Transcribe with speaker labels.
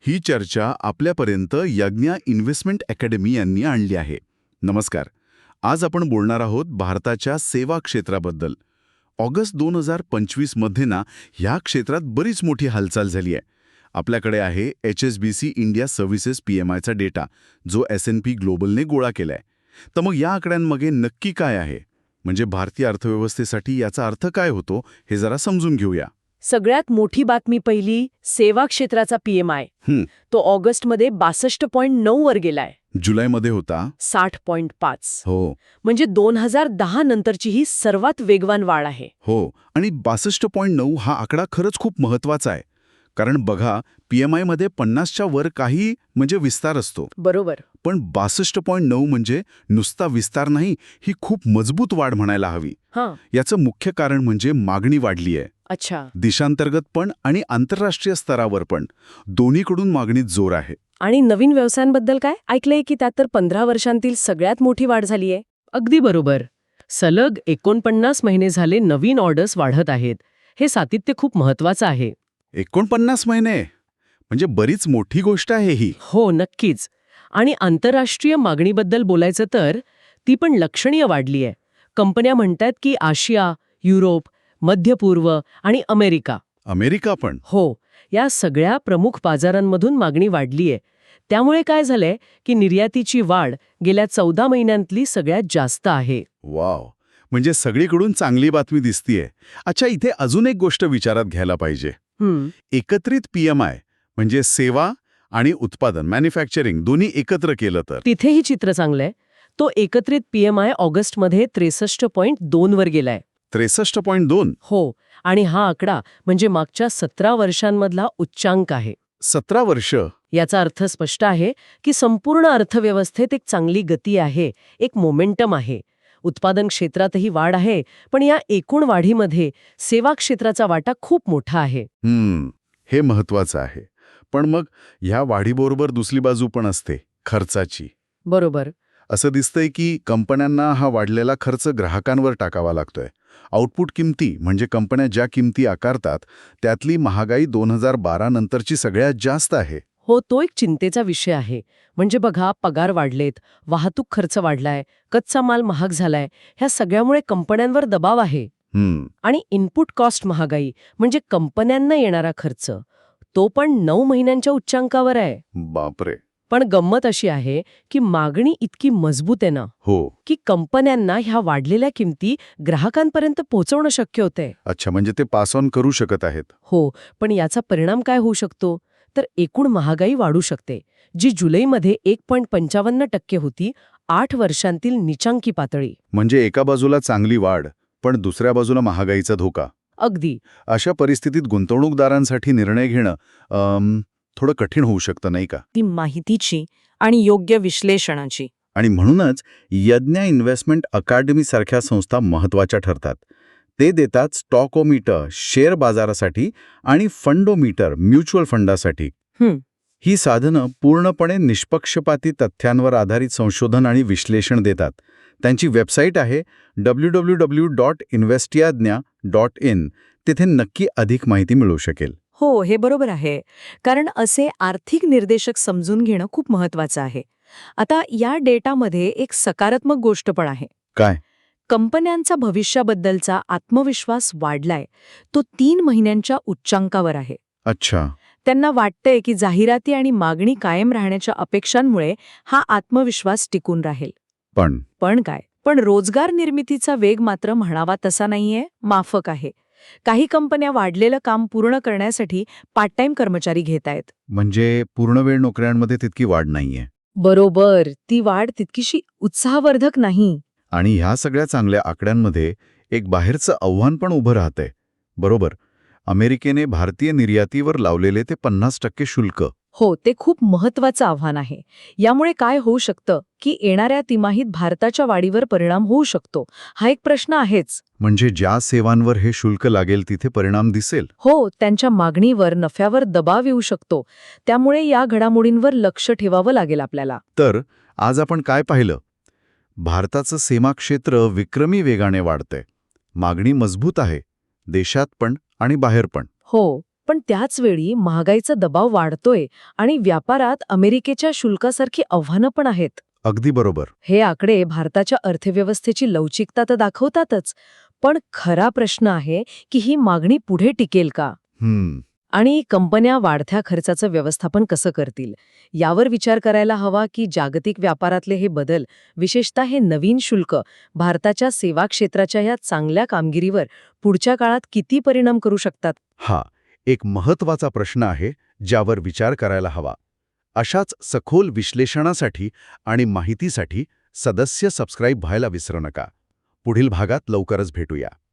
Speaker 1: ही चर्चा आपल्यापर्यंत यज्ञा investment academy यांनी आणली आहे. नमस्कार. आज आपण बोलणार आहोत भारताच्या सेवा क्षेत्राबद्दल. ऑगस्ट 2025 मध्ये ह्या क्षेत्रात बरीच मोठी हालचाल झाली आहे. आपल्याकडे आहे HSBC इंडिया सर्व्हिसेस PMIचा डेटा, जो S&P ग्लोबलने गोळा केलाय. तर मग या आकड्यांमागे नक्की काय आहे, म्हणजे भारतीय अर्थव्यवस्थेसाठी याचा अर्थ काय होतो, हे जरा समजून घेऊया.
Speaker 2: सगळ्यात मोठी बातमी पहिली, सेवा क्षेत्राचा PMI. तो ऑगस्टमध्ये 62.9 वर गेलाय.
Speaker 1: जुलैमध्ये होता
Speaker 2: 60.5.
Speaker 1: हो.
Speaker 2: म्हणजे 2010 नंतरची ही सर्वात वेगवान वाढ आहे.
Speaker 1: हो, आणि 62.9 हा आकडा खरंच खूप महत्वाचा आहे. कारण बघा, PMI मध्ये 50च्या वर काही म्हणजे विस्तार असतो.
Speaker 2: बरोबर.
Speaker 1: पण 62.9 म्हणजे नुसता विस्तार नाही, ही खूप मजबूत वाढ म्हणायला हवी. याचं मुख्य कारण म्हणजे मागणी वाढली आहे.
Speaker 2: अच्छा.
Speaker 1: देशांतर्गत पण आणि आंतरराष्ट्रीय स्तरावर पण दोन्हीकडून मागणीत जोर आहे.
Speaker 2: आणि नवीन व्यवसायांबद्दल काय ऐकलंय की त्यात तर 15 वर्षांतील सगळ्यात मोठी वाढ झालीय.
Speaker 3: अगदी बरोबर. सलग 49 महिने झाले नवीन ऑर्डर्स वाढत आहेत. हे सातत्य खूप महत्वाचं आहे.
Speaker 1: 49 महिने म्हणजे बरीच मोठी गोष्ट आहे ही.
Speaker 3: हो, नक्कीच. आणि आंतरराष्ट्रीय मागणीबद्दल बोलायचं तर ती पण लक्षणीय वाढली आहे. कंपन्या म्हणतात की आशिया, युरोप, मध्य पूर्व आणि अमेरिका
Speaker 1: पण
Speaker 3: हो, या सगळ्या प्रमुख बाजारांमधून मागणी वाढली आहे. त्यामुळे काय झालंय की निर्यातीची वाढ गेल्या 14 महिन्यांतली सगळ्यात जास्त आहे.
Speaker 1: वाव, म्हणजे सगळीकडून चांगली बातमी दिसतीये. अच्छा, इथे अजून एक गोष्ट विचारात घ्यायला पाहिजे. एकत्रित PMI म्हणजे सेवा आणि उत्पादन, मॅन्युफॅक्चरिंग दोन्ही एकत्र केलं तर
Speaker 3: तिथेही चित्र चांगलंय. तो एकत्रित PMI ऑगस्टमध्ये 63.2 वर गेलाय.
Speaker 1: 63.2.
Speaker 3: हो, आणि हा आकडा म्हणजे मागच्या 17 वर्षांमधला उच्चांक आहे.
Speaker 1: 17 वर्ष.
Speaker 3: याचा अर्थ स्पष्ट आहे की संपूर्ण अर्थव्यवस्थेत एक चांगली गती आहे, एक मोमेंटम आहे. उत्पादन क्षेत्रातही वाढ आहे, पण या एकूण वाढीमध्ये सेवा क्षेत्राचा वाटा खूप मोठा आहे.
Speaker 1: हे महत्वाचं आहे. पण मग ह्या वाढीबरोबर दुसरी बाजू पण असते, खर्चाची.
Speaker 3: बरोबर.
Speaker 1: असं दिसतंय की कंपन्यांना हा वाढलेला खर्च ग्राहकांवर टाकावा लागतोय. आउटपुट किमती म्हणजे कंपन्या ज्या किमती आकारतात त्यातली महागाई 2012 नंतरची सगळ्यात जास्त आहे.
Speaker 3: हो, तो एक चिंतेचा विषय आहे. म्हणजे बघा, पगार वाढलेत, वाहतूक खर्च वाढलाय, कच्चा माल महाग झालाय. ह्या सगळ्यामुळे कंपन्यांवर दबाव आहे. आणि इनपुट कॉस्ट महागाई म्हणजे कंपन्यांना येणारा खर्च, तो पण 9 महिन्यांच्या उच्चांकावर आहे.
Speaker 1: बापरे.
Speaker 3: पण गंमत अशी आहे की मागणी इतकी मजबूत आहे ना,
Speaker 1: हो,
Speaker 3: की कंपन्यांना ह्या वाढलेल्या किमती ग्राहकांपर्यंत पोहोचवणं शक्य होतंय.
Speaker 1: अच्छा, म्हणजे ते पास ऑन करू शकत आहेत.
Speaker 3: हो, पण याचा परिणाम काय होऊ शकतो तर एकूण महागाई वाढू शकते, जी जुलैमध्ये 1.55% होती, 8 वर्षांतील निचांकी पातळी.
Speaker 1: म्हणजे एका बाजूला चांगली वाढ, पण दुसऱ्या बाजूला महागाईचा धोका.
Speaker 3: अगदी.
Speaker 1: अशा परिस्थितीत गुंतवणूकदारांसाठी निर्णय घेणं थोडं कठीण होऊ शकतं, नाही का?
Speaker 2: ती माहितीची आणि योग्य विश्लेषणाची.
Speaker 1: आणि म्हणूनच यज्ञा इन्व्हेस्टमेंट अकादमी सारख्या संस्था महत्वाच्या ठरतात. ते देतात स्टॉकोमीटर शेअर बाजारासाठी आणि फंडोमीटर म्युच्युअल फंडासाठी. ही साधनं पूर्णपणे निष्पक्षपाती तथ्यांवर आधारित संशोधन आणि विश्लेषण देतात. त्यांची वेबसाईट आहे www.investyajna.in. तिथे नक्की अधिक माहिती मिळू शकेल.
Speaker 2: हो, हे बरोबर आहे. कारण असे आर्थिक निर्देशक समजून घेणं खूप महत्वाचं आहे. आता या डेटामध्ये एक सकारात्मक गोष्ट पण आहे.
Speaker 1: काय?
Speaker 2: कंपन्यांचा भविष्याबद्दलचा आत्मविश्वास वाढलाय. तो 3 महिन्यांच्या उच्चांकावर आहे.
Speaker 1: अच्छा.
Speaker 2: त्यांना वाटतंय की जाहिराती आणि मागणी कायम राहण्याच्या अपेक्षांमुळे हा आत्मविश्वास टिकून राहील. पण काय? पण रोजगार निर्मितीचा वेग मात्र म्हणावा तसा नाहीये, माफक आहे. काही कंपन्या वाढलेलं काम पूर्ण करण्यासाठी पार्ट टाइम कर्मचारी घेत आहेत.
Speaker 1: म्हणजे पूर्णवेळ नोकऱ्यांमध्ये तितकी वाढ नाहीये.
Speaker 2: बरोबर. ती वाढ तितकीशी उत्साहवर्धक नाही.
Speaker 1: आणि ह्या सगळ्या चांगल्या आकड्यांमध्ये एक बाहेरचं आव्हान पण उभं राहतंय. बरोबर. अमेरिकेने भारतीय निर्यातीवर लावलेले ते 50% शुल्क.
Speaker 2: हो, ते खूप महत्वाचं आव्हान आहे. यामुळे काय होऊ शकतं की येणाऱ्या तिमाहीत भारताच्या वाढीवर परिणाम होऊ शकतो. हा एक प्रश्न आहेच.
Speaker 1: म्हणजे ज्या सेवांवर हे शुल्क लागेल तिथे परिणाम दिसेल.
Speaker 2: हो, त्यांच्या मागणीवर, नफ्यावर दबाव येऊ शकतो. त्यामुळे या घडामोडींवर लक्ष ठेवावं लागेल आपल्याला.
Speaker 1: तर आज आपण काय पाहिलं? भारताचं सेवा क्षेत्र विक्रमी वेगाने वाढतंय. मागणी मजबूत आहे, देशात पण आणि बाहेर पण.
Speaker 2: हो. पण त्याच वेळी महागाईचा दबाव वाढतोय आणि व्यापारात अमेरिकेच्या शुल्कासारखी आव्हानं पण आहेत.
Speaker 1: अगदी बरोबर.
Speaker 2: हे आकडे भारताच्या अर्थव्यवस्थेची लवचिकता तर दाखवतातच, पण खरा प्रश्न आहे की ही मागणी पुढे टिकेल का? आणि कंपन्या वाढत्या खर्चाचं व्यवस्थापन कसं करतील यावर विचार करायला हवा की जागतिक व्यापारातले हे बदल, विशेषतः हे नवीन शुल्क, भारताच्या सेवा क्षेत्राच्या या चांगल्या कामगिरीवर पुढच्या काळात किती परिणाम करू शकतात?
Speaker 1: हा एक महत्वाचा प्रश्न आहे ज्यावर विचार करायला हवा. अशाच सखोल विश्लेषणासाठी आणि माहितीसाठी सबस्क्राईब व्हायला विसरू नका. पुढील भागात लवकरच भेटूया.